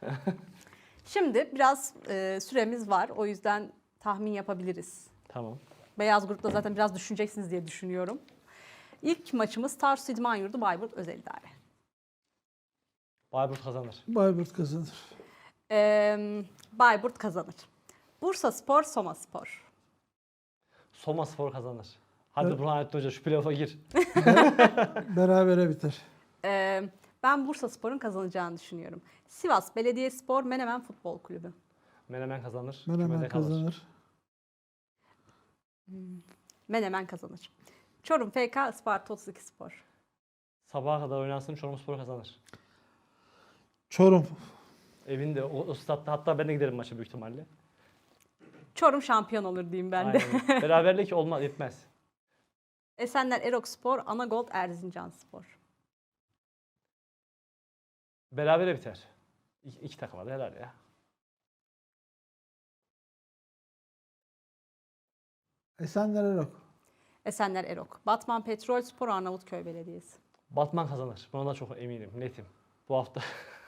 Şimdi biraz süremiz var. O yüzden tahmin yapabiliriz. Tamam. Beyaz grupta zaten biraz düşüneceksiniz diye düşünüyorum. İlk maçımız Tarsus İdman Yurdu Bayburt Özel İdare. Bayburt kazanır. Bayburt kazanır. Bayburt kazanır. Bursa Spor, Soma Spor. Soma Spor kazanır. Hadi Evet. Burhanettin Hoca şu playoff'a gir. Berabere biter. Ben Bursa Spor'un kazanacağını düşünüyorum. Sivas Belediyespor, Menemen Futbol Kulübü. Menemen kazanır. Menemen Kümede kalır. kazanır. Menemen kazanır. Çorum FK, Isparta 32 Spor. Sabaha kadar oynansın Çorum Spor kazanır. Çorum. Evinde o statta hatta ben de giderim maça büyük ihtimalle. Çorum şampiyon olur diyeyim ben de. Aynen. Beraberlik olmaz yetmez. Esenler Erok Spor, Anagold Erzincan Spor. Berabere biter. İki takıma da helal ya. Esenler Erok. Esenler Erok. Batman Petrol Spor, Arnavutköy Belediyesi. Batman kazanır. Buna da çok eminim. Netim. Bu hafta.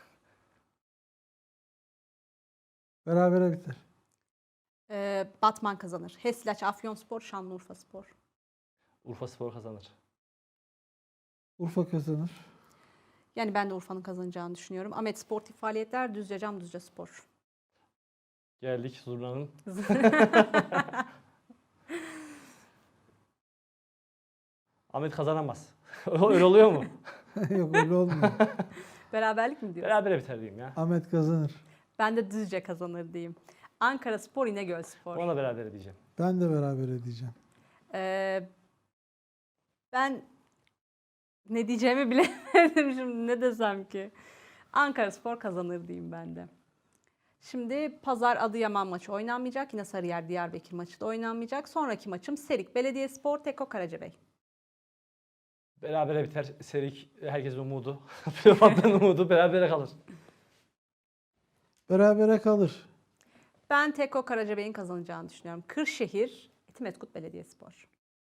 Berabere biter. Batman kazanır. Hesilaç Afyonspor, Şanlıurfa Spor. Urfa Spor kazanır. Urfa kazanır. Yani ben de Urfa'nın kazanacağını düşünüyorum. Ahmet Sportif Faaliyetler, Düzce Cam, Düzce Spor. Geldik Zurna'nın. Ahmet kazanamaz. Öyle oluyor mu? Yok öyle olmuyor. Beraberlik mi diyorsun? Berabere biter diyeyim ya. Ahmet kazanır. Ben de Düzce kazanır diyeyim. Ankara Spor, İnegöl Spor. Ona berabere diyeceğim. Ben de berabere diyeceğim. Ben ne diyeceğimi bilemedim şimdi, ne desem ki. Ankara Spor kazanır diyeyim ben de. Şimdi Pazar Adıyaman maçı oynanmayacak. Yine Sarıyer Diyarbakır maçı da oynanmayacak. Sonraki maçım Serik Belediyespor, Teko Karacabey. Berabere biter. Serik herkesin umudu. Playoff'tan umudu berabere kalır. Berabere kalır. Ben Teko Karacabey'in kazanacağını düşünüyorum. Kırşehir, Etimesgut Belediyespor.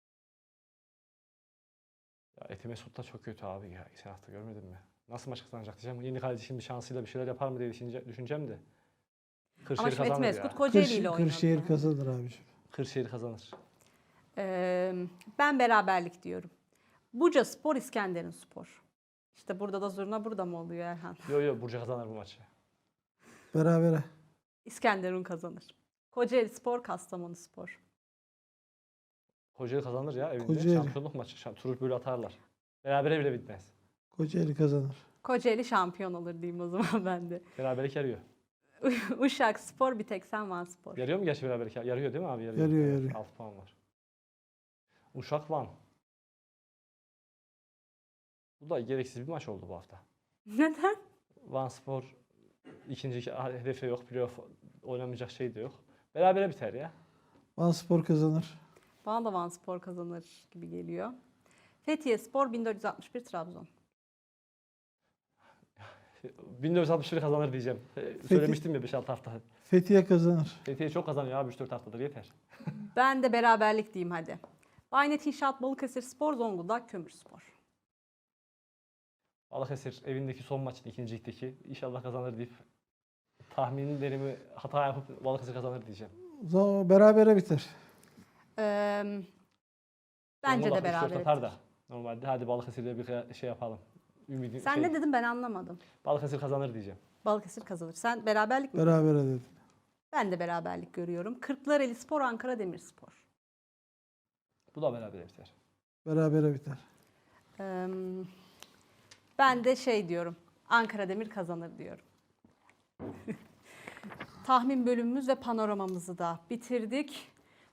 Ya Etimesgut da çok kötü abi ya. Geçen hafta görmedin mi? Nasıl maç kazanacak diyeceğim. Yeni kaleci şimdi şansıyla bir şeyler yapar mı diye düşüneceğim de. Ama Kırşehir şimdi kazanır Etimesgut ya. Kocaeli ile oynadı. Kırşehir kazanır abiciğim. Kırşehir kazanır. Ben beraberlik diyorum. Buca Spor, İskenderun Spor. İşte burada da zurna burada mı oluyor Erhan? Yo Burcu kazanır bu maçı. Berabere. İskenderun kazanır. Kocaeli Spor, Kastamonu Spor. Kocaeli kazanır ya evinde. Kocaeli. Şampiyonluk maçı. Turuk böyle atarlar. Berabere bile bitmez. Kocaeli kazanır. Kocaeli şampiyon olur diyeyim o zaman ben de. Beraberlik yarıyor. Uşak Spor, Biteksen Van Spor. Yarıyor mu gerçi beraberlik? Yarıyor değil mi abi? Yarıyor. 6 puan var. Uşak Van. Bu da gereksiz bir maç oldu bu hafta. Neden? Van Spor ikinci hedefi yok. Playoff oynamayacak şey de yok. Berabere biter ya. Vanspor kazanır. Bana da Van Spor kazanır gibi geliyor. Fethiye Spor, 1461 Trabzon. 1961 kazanır diyeceğim. Söylemiştim ya 5-6 hafta. Fethiye kazanır. Fethiye çok kazanıyor abi 3-4 haftadır yeter. Ben de beraberlik diyeyim hadi. Baynet İnşaat Balıkesir Spor, Zonguldak Kömür Spor. Balıkesir evindeki son maçın ikinci ligdeki inşallah kazanır deyip tahminlerimi hata yapıp Balıkesir kazanır diyeceğim. Berabere biter. Bence de Zonguldak 3-4 beraber. atar da normalde hadi Balıkesir'le bir şey yapalım. Ümidi, Sen ne dedin ben anlamadım. Balıkesir kazanır diyeceğim. Balıkesir kazanır. Sen beraberlik mi? Berabere dedim. Ben de beraberlik görüyorum. Kırklareli Spor, Ankara Demirspor. Bu da berabere biter. Berabere biter. Ben de şey diyorum. Ankara Demir kazanır diyorum. Tahmin bölümümüz ve panoramamızı da bitirdik.